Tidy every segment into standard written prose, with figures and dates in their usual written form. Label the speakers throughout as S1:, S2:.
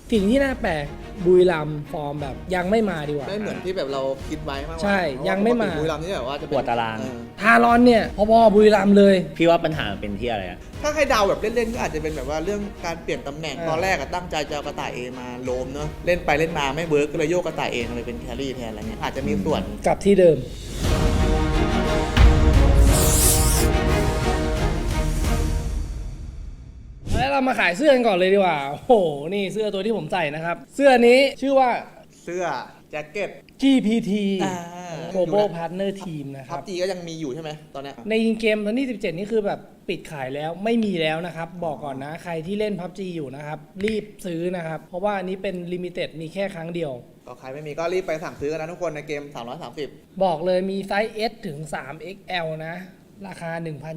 S1: สิ่งที่น่าแปลกบุรีรัมย์ฟอร์มแบบยังไม่มาดีกว่า
S2: ไม่เหมือนที่แบบเราคิดไว้มากกว่า
S1: ใช่ยังไม่มา
S2: บุรีรัมย์นี่แบบว่าจะ
S3: ปวดตาราง
S1: ทารอนเนี่ยพอๆบุรีรัมย์เลย
S3: พี่ว่าปัญหามันเป็นที่อะไรอะ
S2: ถ้าให้เดาแบบเล่นๆก็อาจจะเป็นแบบว่าเรื่องการเปลี่ยนตำแหน่งตอนแรกอะตั้งใจจะเอากระต่ายเอมาโลมเนอะเล่นไปเล่นมาไม่เวิร์กก็เลยโยกกระต่ายเอมาเป็นแครี่แทนอะไรเงี้ยอาจจะมีส่วน
S1: กลับที่เดิมแล้วเรามาขายเสื้อกันก่อนเลยดีกว่าโอ้โหนี่เสื้อตัวที่ผมใส่นะครับเสื้อนี้ชื่อว่า
S2: เสื้อแจ็คเก็ต
S1: GPT
S2: อ่า
S1: Global Partner Team นะค
S2: พั
S1: รั
S2: บบ จีก็ยังมีอยู่ใช่ไหมตอนเนี้ย
S1: ในเกมตอนที่17นี่คือแบบปิดขายแล้วไม่มีแล้วนะครับบอกก่อนนะใครที่เล่น PUBG อยู่นะครับรีบซื้อนะครับเพราะว่าอันนี้เป็น Limited มีแค่ครั้งเดียว
S2: ก็ใครไม่มีก็รีบไปสั่งซื้อกันนะทุกคนในเกม 330
S1: บอกเลยมีไซส์ S ถึง 3XL นะราคา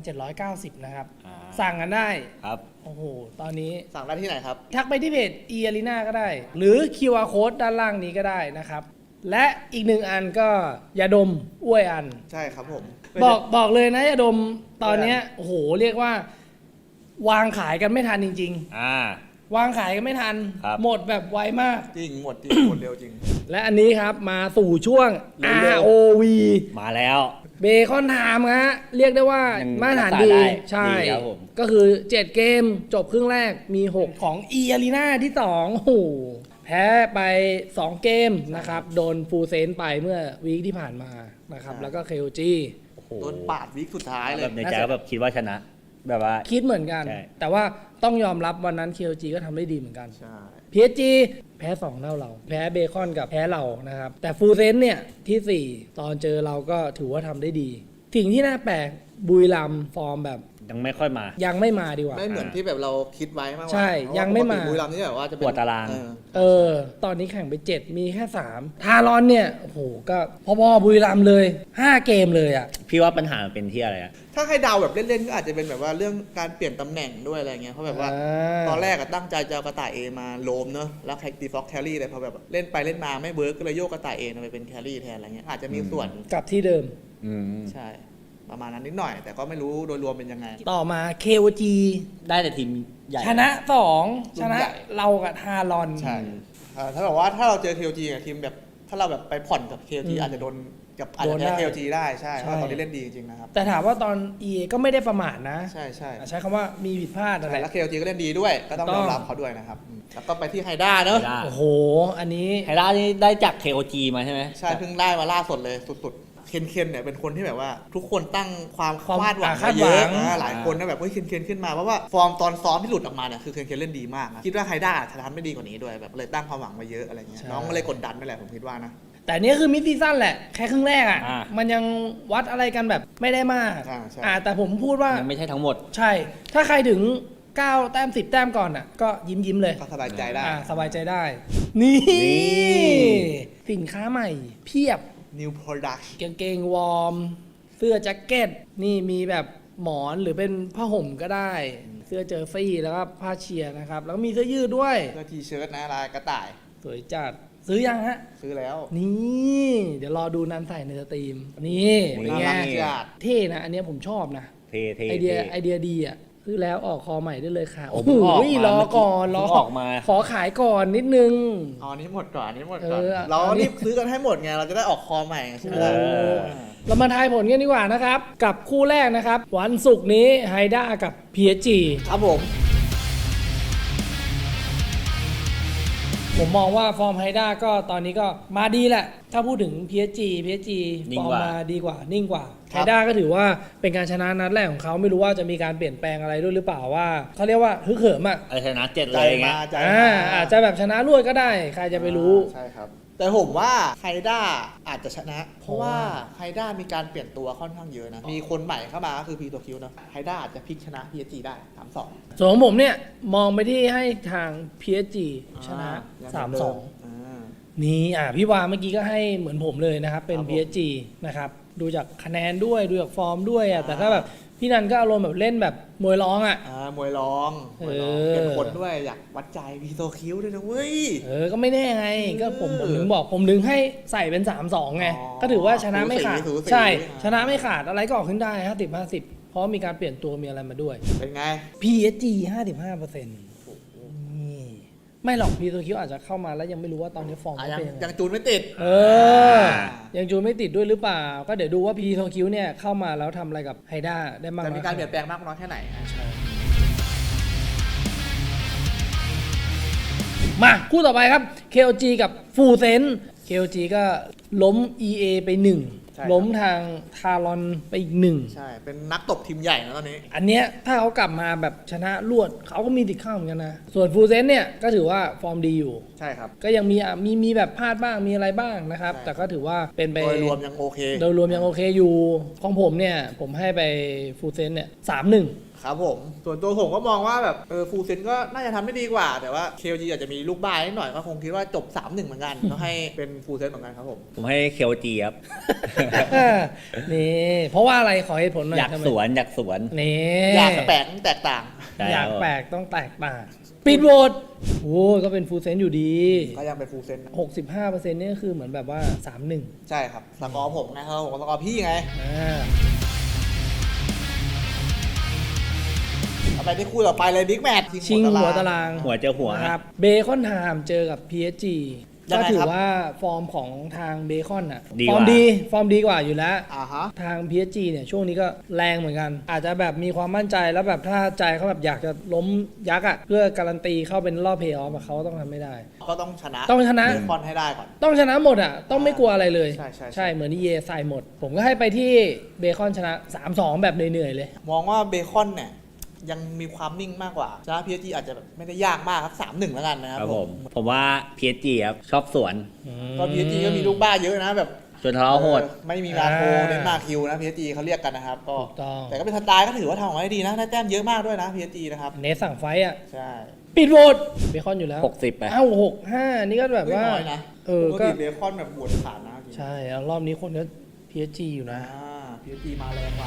S1: 1,790 นะครับสั่งกันได้
S3: ครับ
S1: โอ้โหตอนนี้
S2: สั่งได้ที่ไหนครับ
S1: ทักไปที่เพจ e-arena ก็ได้ หรือ QR code ด้านล่างนี้ก็ได้นะครับ และอีกหนึ่งอันก็ยาดมอ้วยอัน
S2: ใช่ครับผม
S1: บอกเลยนะยาดมตอนเนี้ยโอ้โหเรียกว่าวางขายกันไม่ทันจริง ๆ วางขายกันไม่ทัน
S3: ครับ
S1: หมดแบบไวมาก
S2: จริงหมดจริงหมดเร็วจริง
S1: และอันนี้ครับมาสู่ช่วง
S2: เร็วๆ
S1: ROV
S3: มาแล้ว
S1: เบคอนไทม์ฮะเรียกได้ว่า
S3: ยัง
S1: มาตรฐาน
S3: รักษา
S1: ดี
S3: ได้
S1: ใช่
S3: ดีครับผม
S1: ก็คือ 7 เกมจบครึ่งแรกมี 6 ของ e-arena ที่ 2 โอ้โหแพ้ไป 2 เกมนะครับ โดนฟูลเซนไปเมื่อวีคที่ผ่านมานะครับ
S2: ใช่
S1: แล้วก็ KOG
S3: โอ้โห
S2: โดนปาดวิกสุดท้ายเล
S3: แบ
S2: ย
S3: บในใจก็แบบคิดว่าชนะ แบบว่า
S1: คิดเหมือนกัน
S3: ใช่
S1: แต่ว่าต้องยอมรับวันนั้น KOG ก็ทำได้ดีเหมือนกัน
S2: ใช่
S1: PSG แพ้2เท่าเรา แพ้เบคอนกับแพ้เรานะครับ แต่ฟูลเซนเนี่ยที่ 4 ตอนเจอเราก็ถือว่าทำได้ดี สิ่งที่น่าแปลกบุรีรัมย์ฟอร์มแบบ
S3: ยังไม่ค่อยมา
S1: ยังไม่มาดีกว่า
S2: ไม่เหมือนที่แบบเราคิดไว้มากกว่า
S1: ใช่
S2: เพราะว่า
S1: ยังไม่มา
S2: ปกติบุรีรัมย์นี่แบบว่าจะเป็น
S3: ปวดตาราง
S1: ตอนนี้แข่งไป 7 มีแค่ 3 ทารอนเนี่ย โอ้โห ก็พอๆบุรีรัมย์เลย 5 เกมเลยอ่ะ
S3: พี่ว่าปัญหามันเป็นที่อะไรอะ
S2: ถ้าให้เดาแบบเล่นๆก็อาจจะเป็นแบบว่าเรื่องการเปลี่ยนตำแหน่งด้วยอะไรเงี้ยเพราะแบบว่า ตอนแรกอะตั้งใจจะเอากระต่ายเอมาโลมเนอะแล้วใครตีฟ็อกแครี่เลยพอแบบเล่นไปเล่นมาไม่เวิร์กก็เลยโยกกระต่ายเอมาเป็นแครี่แทนอะไรเงี้ยอาจจะมีส่วน
S1: กลับที่เดิม
S2: ใช่ ประมาณนั้นนิดหน่อย แต่ก็ไม่รู้โดยรวมเป็นยังไง
S1: ต่อมา KOG
S3: ได้แต่ทีมใหญ่
S1: ชนะ 2 ชนะ
S2: ใหญ่
S1: เรากับทารอน
S2: ใช่ถ้าแบบว่าถ้าเราเจอ KOG กับทีมแบบถ้าเราแบบไปผ่อนกับ KOG อาจจะโดนกับอาจจะแพ้ KOG ได้ใช่เพราะตอนนี้เล่นดีจริงๆนะครับ
S1: แต่ถามว่าตอน EA ก็ไม่ได้ประมาทนะ
S2: ใช่ใช่
S1: ใช้คำว่ามีผิดพลาดอะไร
S2: แล้ว KOG ก็เล่นดีด้วยก็ต้อง
S1: ถูกต้
S2: ย
S1: อง
S2: อมรับเขาด้วยนะครับแล้วก็ไปที่ไฮด้าเนอะ
S3: ได้
S1: โอ้โห อันนี้
S3: ไฮด้านี่ได้จาก KOG มาใช่ไหม
S2: ใช่เพิ่งได้มาล่าสุดเลยสุดๆเคนเนี่ยเป็นคนที่แบบว่าทุกคนตั้งความ
S1: ความ
S2: คาดหวัง
S1: คาด
S2: ไว้
S1: หวั
S2: เย
S1: ง
S2: อะหลายคนนะแบบว่าเคนขึ้นมาเพราะว่าฟอร์มตอนซ้อมที่หลุดออกมาเนี่ยคือเคนเล่นดีมากนะคิดว่าไฮด้าจะทำได้ดีกว่านี้ด้วยแบบเลยตั้งความหวังมาเยอะอะไรเงี้ยน้องก็เลยกดดันไปแหละผมคิดว่านะ
S1: แต่เนี้ยคือมิดซีซั่นแหละ แค่ครึ่งแรกอ่ะ
S3: อ่า
S1: มันยังวัดอะไรกันแบบไม่ได้มาก
S2: ใช่
S1: แต่ผมพูดว่า
S3: ยังไม่ใช่ทั้งหมด
S1: ใช่ ถ้าใครถึง 9 แต้ม 10 แต้มก่อนอ่ะ ก็ยิ้มเลย
S2: ก็สบายใจได้
S1: สบายใจได้ นี่
S3: นี่
S1: สินค้าใหม่เพียบ
S2: New Product
S1: กางเกงวอร์ม เสื้อแจ็คเก็ต นี่มีแบบหมอนหรือเป็นผ้าห่มก็ได้ เสื้อเจอร์ซี่แล้วก็ผ้าเชียร์นะครับ แล้วก็มีเสื้อยืดด้วย
S2: เสื้อทีเชิ้ตนะลายกระต่าย
S1: สวยจัด ซื้อยังฮะ
S2: ซื้อแล้ว
S1: นี่ เดี๋ยวรอดูนันใส่ในสตรีม นี่เป็นไง
S2: น่ารักจัด
S1: เท่นะ อันเนี้ยผมชอบนะ
S3: เท่เท่
S1: ไอเดียดีอ่ะซื้อแล้วออกคอใหม่ได้เลยค่ะ
S3: โอ้
S1: โอ้
S3: โห
S1: โห
S3: ออกมาร
S1: อก่อนรอ
S3: เพิ่งออกมา
S1: ขอขายก่อนนิดนึง
S2: อ๋ออันนี้หมดก่อนอันนี้หมดก่อน เรา
S1: อันนี้
S2: รีบซื้อกันให้หมดไงเราจะได้ออกคอใหม่ใช่ไหมล่ะ
S1: โอ้ เรามาทายผลกันดีกว่านะครับ กับคู่แรกนะครับ วันศุกร์นี้ไฮด้ากับ PSG
S2: ครับผม
S1: ผมมองว่าฟอร์มไฮด้าก็ตอนนี้ก็มาดีแหละ ถ้าพูดถึง PSG
S3: นิ่
S1: ฟ
S3: ง
S1: อร์ม
S3: กว่า
S1: มาดีกว่านิ่งกว่าไฮด้าก็ถือว่าเป็นการชนะนัดแรกของเขาไม่รู้ว่าจะมีการเปลี่ยนแปลงอะไรด้วยหรือเปล่าว่าเขาเรียกว่าฮึกเหิมอ่ะ
S3: ชนะ7
S2: ใจ
S3: เลยไง
S2: มาใจ
S1: อาจจะแบบชนะรวดก็ได้ ใครจะไปรู้
S2: ใช่ครับ แต่ผมว่าไฮด้าอาจจะชนะ เพราะว่าไฮด้ามีการเปลี่ยนตัวค่อนข้างเยอะนะ มีคนใหม่เข้ามาก็คือพีตัวคิวเนาะไฮด้าอาจจะพลิกชนะ PSG ได้ 3-2
S1: ส่วนของผมเนี่ย มองไปที่ให้ทาง PSG ชนะ 3-2 นี่พี่วาเมื่อกี้ก็ให้เหมือนผมเลยนะครับ เป็น
S2: ครับผม
S1: PSG นะครับ ดูจากคะแนนด้วย ดูจากฟอร์มด้วยแต่ถ้าแบบพี่นันก็อารมณ์แบบเล่นแบบมวยร้อง
S2: มวยร้องเป็นคนด้วยอยากวัดใจพีตัวคิวด้วยนะเว้ย
S1: ก็ไม่แน่ไง ก็ผมถึงบอกผมถึงให้ใส่เป็น 3-2 ไง ก็ถือว่าชนะไม่ขาด
S2: สูสี
S1: ใช่ ชนะไม่ขาดอะไรก็ออกขึ้นได้ 50-50 เพราะมีการเปลี่ยนตัวมีอะไรมาด้วย
S2: เป็นไง
S1: PSG 55%นี่ไม่หรอกพีโตคิวอาจจะเข้ามาแล้วยังไม่รู้ว่าตอนนี้ฟอร์ม
S2: อ่ะ
S1: เขา
S2: ยัง
S1: เป็นยังไง
S2: ยังจูนไม่ติด
S1: เออ ยังจูนไม่ติดด้วยหรือเปล่า ก็เดี๋ยวดูว่าพีโตคิวเนี่ยเข้ามาแล้วทำอะไรกับไฮด้าได้มาก
S2: จะ
S1: น้
S2: มี
S1: อย
S2: การเปลี่ยนแปลงมากน้อยแค่ไหนฮะ
S1: มาคู่ต่อไปครับ KOG กับฟูเซน KOG ก็ล้ม EA ไป 1 ล้มทางทารอนไปอีก 1
S2: ใช่ เป็นนักตบทีมใหญ่นะตอนนี้
S1: อันเนี้ยถ้าเขากลับมาแบบชนะรวดเขาก็มีติดข้าวเหมือนกันนะ ส่วนฟูเซนเนี่ยก็ถือว่าฟอร์มดีอยู่
S2: ใช่ครับ
S1: ก็ยังมีแบบพลาดบ้างมีอะไรบ้างนะครับ
S2: ใช่
S1: แต่ก็ถือว่าเป็นไป
S2: โดยรวมยังโอเค
S1: โดยรวมยังโอเคอยู่ของผมเนี่ย ผมให้ไปฟูเซนเนี่ย3-1
S2: ครับผม ส่วนตัวผมก็มองว่าแบบฟูลเซนก็น่าจะทำได้ดีกว่า แต่ว่า KOG อาจจะมีลูกบ้านิดหน่อยก็คงคิดว่าจบ 3-1 เหมือนกันก็ให้เป็นฟูลเซนเหมือนกันครับผม
S3: ผมให้ KOG ครับ
S1: นี่เพราะว่าอะไรขอเหตุผลหน่อย
S3: อยาก
S1: ทำไม
S3: สวนอยากสวน
S1: นี่
S2: อยากแปลกแตกต่าง
S3: ใช่
S1: อยาก
S3: ครับ
S1: แปลกต้องแตกต่างปิดโหวตโอ้ก็เป็นฟูลเซนอยู่ดี
S2: ก็ยังเป็นฟูลเซนนะ
S1: 65%นี่ก็คือเหมือนแบบว่า 3-1
S2: ใช่ครับสกอร์ผมนะครับผมสกอร์พี่ไง
S1: อ่า
S2: เอาไปที่คู่ต่อไปเลยบิ๊กแมตช์
S1: ชิงหัวตาราง
S3: หัวเจอหัว
S1: นะครับเบคอนไทม์เจอกับ PSG
S2: ยัง
S1: ก็
S2: ไงครับ
S1: ถือว่าฟอร์มของทางเบคอนอ่ะ
S3: ดี
S1: ฟ
S3: ก
S1: อ
S3: ว่า
S1: ร์มดีกว่าอยู่แล้ว
S2: อ่าฮะ
S1: ทาง PSG เนี่ยช่วงนี้ก็แรงเหมือนกัน อาจจะแบบมีความมั่นใจแล้วแบบถ้าใจเขาแบบอยากจะล้มยักษ์อ่ะเพื่อการันตีเข้าเป็นรอบเพลย์ออฟเขาต้องทำไม่ได้
S2: ก็ต้องชนะ
S1: ต้องชนะ
S2: เบคอนให้ได้ก่อน
S1: ต้องชนะหมดอ่ะต้องไม่กลัวอะไรเลย
S2: ใช่
S1: เหมือนที่เยใส่หมด ผมก็ให้ไปที่เบคอนชนะ 3-2 แบบเหนื่อยๆเลย
S2: มองว่าเบคอนเนี่ยยังมีความนิ่งมากกว่าชนะ PSG อาจจะแบบไม่ได้ยากมากครับ 3-1 แล้วกันนะค
S3: ค
S2: รั
S3: รั
S2: บบ
S3: ผมว่า PSG ครับชอบสวน
S2: ก็ PSG ก็มีลูกบ้าเยอะนะแบบ
S3: จนทะเลาะโหด
S2: ไม่มีมาโคเน้นมาคิวนะ PSG เขาเรียกกันนะครับก็
S1: ถูกต้อง
S2: แต่ก็เป็นสไตล์ก็ถือว่าทำออกมาได้ดีนะได้แต้มเยอะมากด้วยนะ PSG นะครับ
S1: เนสสั่งไฟต์อ่ะ
S2: ใช่
S1: ปิดโหวตเบคอนอยู่แล้ว
S3: 60 ไป
S1: อ้าว6-5 นี่ก็แบบว่า
S2: น้อยนะ ปก
S1: ก็
S2: ติเบคอนแบบบวชขาดนะจริง
S1: ใช่แล้วรอบนี้คนก็ PSG อยู่นะ
S2: PSG มาแรงกว่า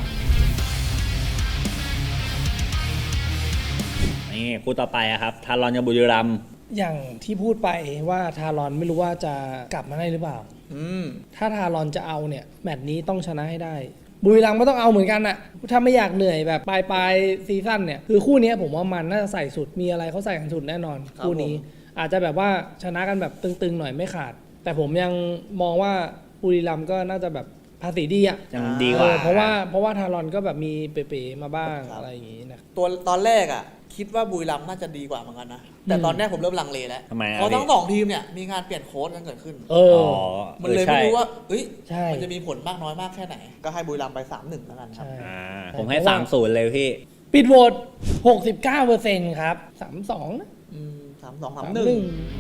S3: นี่คู่ต่อไปอะครับ ทารอนกับบุรีรัมย์
S1: อย่างที่พูดไปว่าทารอนไม่รู้ว่าจะกลับมาได้หรือเปล่า
S2: อืม
S1: ถ้าทารอนจะเอาเนี่ย แมตช์นี้ต้องชนะให้ได้ บุรีรัมย์ก็ต้องเอาเหมือนกันอะถ้าไม่อยากเหนื่อยแบบปลายซีซั่นเนี่ย คือคู่นี้ผมว่ามันน่าจะใส่สุด มีอะไรเขาใส่กันสุดแน่นอน คู่นี้ อาจจะแบบว่าชนะกันแบบตึงๆหน่อยไม่ขาด แต่ผมยังมองว่าบุรีรัมย์ก็น่าจะแบบภาษีดีอะ
S3: ยังดีกว่า
S1: เพราะว่าทารอนก็แบบมีเป๋ๆมาบ้างอะไรอย่างงี้นะ
S2: ตัวตอนแรกอ่ะ คิดว่าบุรีรัมย์น่าจะดีกว่าเหมือนกันนะ แต่ตอนเนี้ยผมเริ่มลังเลแล้ว
S3: ทำไมอะ
S2: เพราะทั้ง
S3: พี่
S2: สองทีมเนี่ยมีการเปลี่ยนโค้ชกันเกิดขึ้น
S1: เออ
S2: มันเลยไม่รู้ว่าเอ้ย
S1: ใช่
S2: มันจะมีผลมากน้อยมากแค่ไหน ก็ให้บุรีรัมย์ไป 3-1 แล้วกันครับ
S1: ใช่
S3: ผมให้ 3-0 เลยพี่
S1: ปิดโหวต69%ครับ 32นะ
S2: 3-2
S1: 3-1
S2: 3-1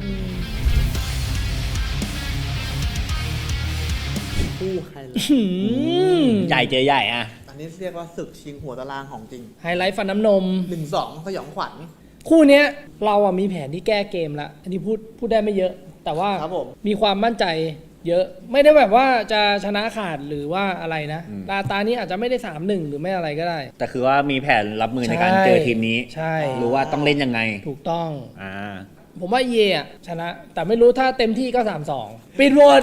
S2: คู่ไฮไลท์
S1: อืม
S3: ใหญ่เจอใหญ่อะ
S2: อันนี้เรียกว่าศึกชิงหัวตารางของจริง
S1: ไฮไลท์ฟันน้ำนม
S2: 1-2 สยองขวัญ
S1: คู่เนี้ยเราอะมีแผนที่แก้เกมแล้ว อันนี้พูดได้ไม่เยอะ แต่ว่า
S2: ครับผม
S1: มีความมั่นใจเยอะ ไม่ได้แบบว่าจะชนะขาดหรือว่าอะไรนะตานี้อาจจะไม่ได้ 3-1 หรือไม่อะไรก็ได้
S3: แต่คือว่ามีแผนรับมือในการ
S1: ใช่
S3: เจอทีมนี้
S1: ใช่
S3: รู้ว่าต้องเล่นยังไง
S1: ถูกต้อง
S3: อ่า
S1: ผมว่าเยอะชนะ แต่ไม่รู้ถ้าเต็มที่ก็ 3-2 ปิดโหวต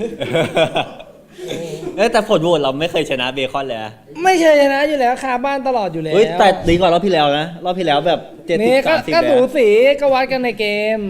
S3: แต่ผลโหวตเราไม่เคยชนะเบคอนเลยอะ
S1: ไม่เคยชนะอยู่แล้วคาบ้านตลอดอยู่แล้ว
S3: เฮ้ยแต่ดีกว่ารอบที่แล้วนะ รอบที่แล้วแบบ70-30
S1: นี่ก็
S3: เลย
S1: สู
S3: อะ
S1: สีก็วัดกันในเกม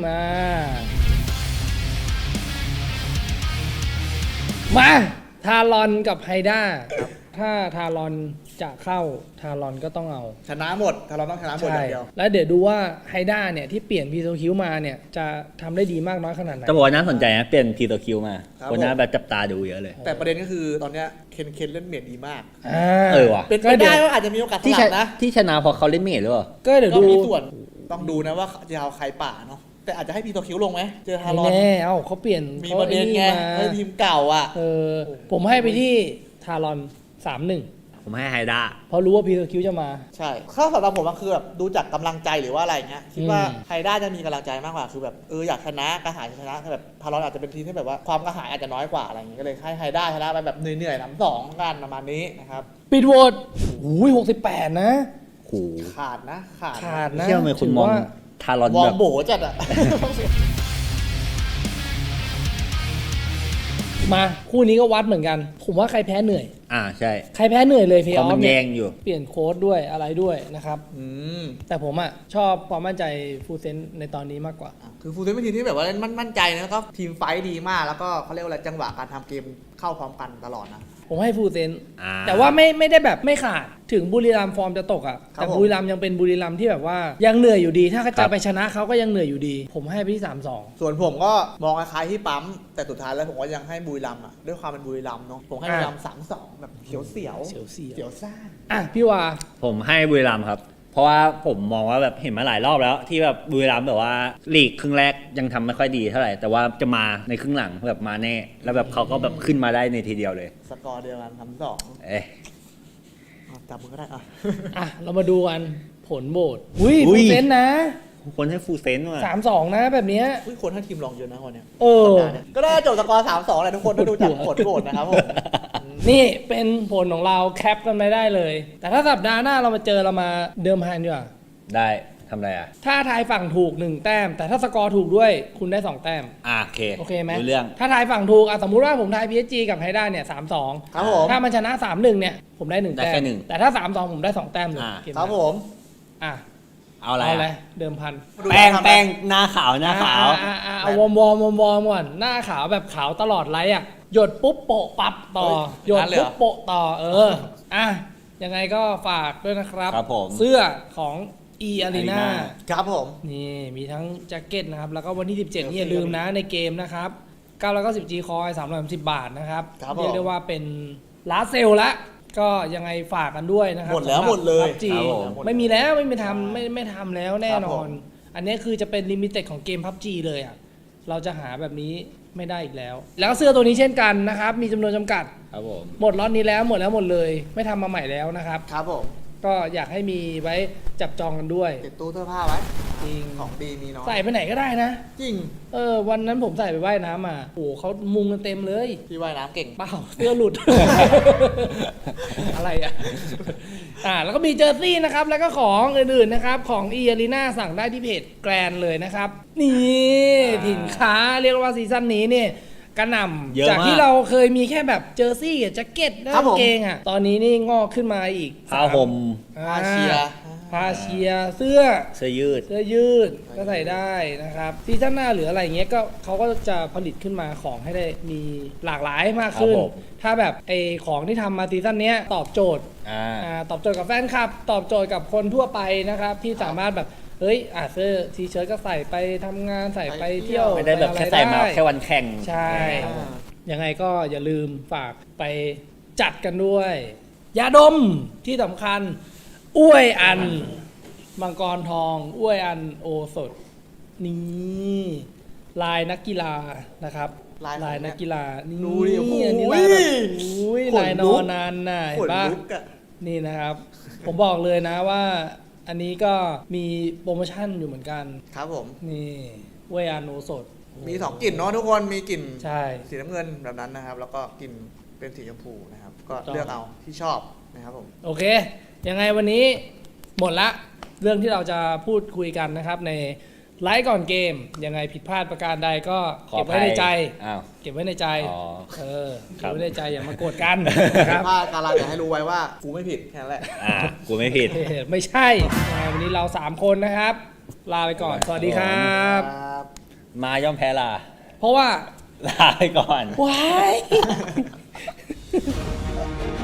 S1: มาทารอนกับไฮด้าถ้าทารอนจะเข้าทารอนก็ต้องเอา
S2: ชนะหมด ถ้าเราต้องชนะหมดอย่างเดียว
S1: แล้วเดี๋ยวดูว่าไฮด้าเนี่ยที่เปลี่ยนพีโซคิวมาเนี่ยจะทำได้ดีมากน้อยขนาดไหน
S3: จะบอกว่าน่าสนใจนะเปลี่ยนพีตัวคิวมา
S2: ครับ
S3: คนน่าแบบจับตาดูเยอะเลย
S2: แต่ประเด็นก็คือตอนเนี้ยเคนเล่นเมดดีมาก
S3: เออว่ะ
S2: เป็นไป
S1: ก็เดี๋
S2: ได้
S1: ยว
S2: ว่าอาจจะมีโอกาสส
S3: ที่
S2: ลับนะ
S3: ที่ชนะเพราะเขาเล่นเมดหรือเปล่า
S1: ก็เดี๋ยว
S2: ก็
S1: ดู
S2: มีส่วนต้องดูนะว่าจะเอาใครป่าเนาะแต่อาจจะให้พีโตคิวลงไหมเจอฮารอน
S1: แน่เอ้าเขาเปลี่ยน
S2: มี
S1: ขา
S2: ประเด็นไง
S1: อ้
S2: ให้ทีมเก่าอ่ะ
S1: ผมให้ไปที่ทารอน 3-1
S3: ผมให้ไฮด้า
S1: เพราะรู้ว่าพีโซคิวจะมา
S2: ใช่ข้าสำหรับผมมันคือแบบดูจากกำลังใจหรือว่าอะไรเงี้ยคิดว่า
S1: อืม
S2: ไฮด้าจะมีกำลังใจมากกว่าคือแบบอยากชนะกระหายชนะแบบพารอนอาจจะเป็นทีมที่แบบว่าความกระหายอาจจะน้อยกว่าอะไรอย่างเงี้ยก็เลยให้ไฮด้าชนะไปแบบเหนื่อยๆ3-2กันประมาณนี้นะครับ
S1: ปิดโหวตอุ้ย68 นะ
S3: โห
S2: ขาดนะ
S1: ขาดนะ
S3: เชื่อไหมคุณมอง
S1: ถืว่า
S3: ทารอน
S2: วอ
S3: แบ
S2: ร์ม
S3: บ
S2: โบจัดอ่ะ
S1: มาคู่นี้ก็วัดเหมือนกัน ผมว่าใครแพ้เหนื่อย
S3: ใช่
S1: ใครแพ้เหนื่อยเลยเพย์
S3: เพ
S1: อ
S3: ราะ
S1: อ
S3: มั
S1: ฟ
S3: น
S1: เนี่
S3: แย่
S1: ย
S3: งอยู่
S1: เปลี่ยนโค้ดด้วยอะไรด้วยนะครับ
S2: อืม
S1: แต่ผมอ่ะชอบความมั่นใจฟูลเซนในตอนนี้มากกว่า
S2: คือฟูลเซนเป็นทีมที่แบบว่าเล่นมั่นใจนะแล้วก็ทีมไฟท์ดีมากแล้วก็เขาเรียกว่าอะไรจังหวะการทำเกมเข้าพร้อมกันตลอดนะ
S1: ผมให้ฟูลเซน
S3: อ่า
S1: แต่ว่าไม่ได้แบบไม่ขาดถึงบุรีรัมย์ฟอร์มจะตกอ่ะ
S2: ครับ
S1: แต่
S2: ผม
S1: บุรีรัมย์ยังเป็นบุรีรัมย์ที่แบบว่ายังเหนื่อยอยู่ดี ถ้าจะไปชนะเขาก็ยังเหนื่อยอยู่ดี ผมให้ไปที่ 3-2
S2: ส่วนผมก็มองคล้ายๆที่ปั๊มแต่สุดท้ายแล้วผมก็ยังให้บุรีรัมย์อ่ะด้วยความเป็นบุรีรัมย์เนาะผมให้บุรีรัมย์3-2แบบเสียวเสียว
S1: เสียว
S2: เสียวซ่าน
S1: อ่ะพี่วา
S3: ผมให้บุรีรัมย์ครับ เพราะว่าผมมองว่าแบบเห็นมาหลายรอบแล้ว ที่แบบบุรีรัมย์แบบว่าลีกครึ่งแรกยังทำไม่ค่อยดีเท่าไหร่แต่ว่าจะมาในครึ่งหลังแบบมาแน่แล้วแบบเขาก็แบบขึ้นมาได้ในทีเดียวเลย
S2: สกอร์เดียวกัน3-2
S3: เอ๊ะ
S2: จับมือก็ได้อ่ะ
S1: อ่ะเรามาดูกันผลโหวตอุ้ย
S3: อุ้
S1: ฟู
S3: ย
S1: ลเซนนะ
S3: คนให้ฟูลเซนต์ว่ะ
S1: 3-2 นะแบบเนี้ย
S2: อุ้ยคนให้ทีมลองเยอะนะคนเนี้ย
S1: เออ
S2: สัปดาห์เนี้ยก็ได้จบสกอร์3-2แหละทุกคนถ้าดูจากผลโหวตนะครับผม
S1: นี่เป็นผลของเราแคปกันไม่ได้เลย แต่ถ้าสัปดาห์หน้าเรามาเจอเรามาเดิมพันดีกว่า
S3: ได้ทำอะไรอ่ะ
S1: ถ้าทายฝั่งถูก 1 แต้ม แต่ถ้าสกอร์ถูกด้วยคุณได้ 2 แต้ม
S3: โอเค
S1: โอเคไหม
S3: รู้เรื่อง
S1: ถ้าทายฝั่งถูกสมมุติว่าผมทาย PSG กับไฮด้าเนี่ย 3-2
S2: ครับผม
S1: ถ้ามันชนะ 3-1 เนี่ย ผมได้ 1
S3: ได้
S1: แต้
S3: แค่
S1: ม
S3: หนึ่ง
S1: แต่ถ้า 3-2 ผมได้ 2 แต้มเลย
S3: อ่า
S1: เกม
S2: ครับ
S1: ห
S2: ผ
S1: น้าม อ่ะ
S3: เอาอะไร
S1: เอาเล
S3: อะ
S1: ยเดิมพัน
S3: แป้งแป้งหน้าขาวหน้าขาว
S1: เอาวอร์มก่อนหน้าขาวแบบขาวตลอดไลท์อ่ะหยดปุ๊บโปะปับต่อ
S2: เฮ้ย
S1: หยด
S2: งั้นเลยเหร
S1: ปุ๊
S2: อ
S1: บโปะต่ออ่ะยังไงก็ฝากด้วยนะครับ
S3: ครับผม
S1: เสื้อของ E Arena
S2: ครับผม
S1: นี่มีทั้งแจ็คเก็ตนะครับ แล้วก็วันที่ 17
S2: เดี๋ยว
S1: นี่อย่าลืมนะในเกมนะครับ990 G Coin 330 บาทนะครับ
S2: ครับผม
S1: เรียกได้ว่าเป็นลาสเซลละก็ยังไงฝากกันด้วยนะครับ
S2: หมดแล้ว
S1: สำรับ
S2: หมดเลย
S1: PUBG
S3: ครับผม
S1: ไม่มีแล้วไม่มีทำไม่ทำแล้วแน่
S2: ครับ
S1: น
S2: ผ
S1: อ
S2: ม
S1: น อันนี้คือจะเป็นลิมิเต็ดของเกม PUBG เลยอ่ะเราจะหาแบบนี้ไม่ได้อีกแล้ว แล้วเสื้อตัวนี้เช่นกันนะครับมีจำนวนจำกัด
S3: ครับผม
S1: หมดล็อตนี้แล้วหมดเลย ไม่ทำมาใหม่แล้วนะครับ
S2: ครับผม
S1: ก็อยากให้มีไว้จับจองกันด้วย
S2: ติดตู้เสื้อผ้าไว้
S1: จริง
S2: ของดีมีน้อย
S1: ใส่ไปไหนก็ได้นะ
S2: จริง
S1: วันนั้นผมใส่ไปว่ายน้ำมาโอ้โหเขามุงกันเต็มเลย
S2: พี่ว่ายน้ำเก่ง
S1: เปล่าเสื้อหลุด อะไรอ่ะ แล้วก็มีเจอร์ซี่นะครับ แล้วก็ของอื่นๆนะครับ ของ e a r e n a สั่งได้ที่เพจแกรนเลยนะครับ นี่ถิ่นค้าเรียกว่าซีซั่นนี้เนี่ยกระหน่
S3: เยอะ
S1: ำจาก
S3: มาก
S1: ที่เราเคยมีแค่แบบเจอร์ซี่กับแจ็คเก็ตและ
S2: ครับ
S1: กาง
S2: ผม
S1: เกงอ่ะ ตอนนี้นี่งอกขึ้นมาอีก
S3: ผ้าห่ม
S2: ผ้าเชียร์
S1: ผ้าเชียร์เสื้อ
S3: เสื้อยืด
S1: เสื้อยืดก็ใส่ได้นะครับซีซั่นหน้าหรืออะไรเงี้ยก็เขาก็จะผลิตขึ้นมาของให้ได้มีหลากหลายมากขึ้น
S3: ครับผม
S1: ถ้าแบบไอของที่ทำมาซีซั่นเนี้ยตอบโจทย์ ตอบโจทย์กับแฟนคลับ ตอบโจทย์กับคนทั่วไปนะครับ ที่สามารถแบบเฮ้ยเสื้อทีเชิ้ตก็ใส่ไปทำงานใส่ไปเที่ยว
S3: ไม่ได้แบบ
S1: ป
S3: แค่
S1: อะร
S3: ใส่มา
S1: ได้
S3: แค่วันแข่ง
S1: ใช่
S2: อ่า
S1: ยังไงก็อย่าลืมฝากไปจัดกันด้วย ยาดมที่สำคัญ อ้วยอัน มังกรทอง อ้วยอันโอสด นี่ลายนักกีฬานะครับ
S2: ลายของ
S1: นักกีฬา นี่
S2: ดูดิโอ้โห
S1: อันนี้ลายแบบอุ้ย
S2: ขนลุก
S1: ลายนอนนานน่ะ
S2: ข
S1: เห็
S2: น
S1: นปะ
S2: ลุกอะ
S1: นี่นะครับ ผมบอกเลยนะว่า อันนี้ก็มีโปรโมชั่นอยู่เหมือนกัน
S2: ครับผม
S1: นี่อ้วยอันโอสด
S2: มี2กลิ่นเนาะทุกคนมีกลิ่น
S1: ใช่
S2: สีน้ำเงินแบบนั้นนะครับ แล้วก็กลิ่นเป็นสีชมพูนะครับ ก็
S1: ถูกต้อง
S2: เลือกเอาที่ชอบนะครับผม
S1: โอเค ยังไงวันนี้หมดละเรื่องที่เราจะพูดคุยกันนะครับในไลฟ์ก่อนเกม ยังไงผิดพลาดประการใดก็
S3: ขอ
S1: เก็บ
S3: อ
S1: ไว้
S3: ภัย
S1: ในใจ
S3: อ้าว
S1: เก็บไว้ในใจ
S3: อ๋อ
S1: เก็บไว้ในใจอย่ามาโกรธกันค
S2: ค
S1: รั
S2: รับ บว่าการเราอยากให้รู้ไว้ว่ากูไม่ผิดแค่นั้นแหละ
S3: กูไม่ผิด
S1: ไม่ใช่ยังไงวันนี้เรา 3 คนนะครับ ลาไปก่อน สวัสดีครับ
S2: ครับ
S3: มาย่อมแพ้ลา
S1: เพราะว่า
S3: ลาไปก่อน
S1: ว้าย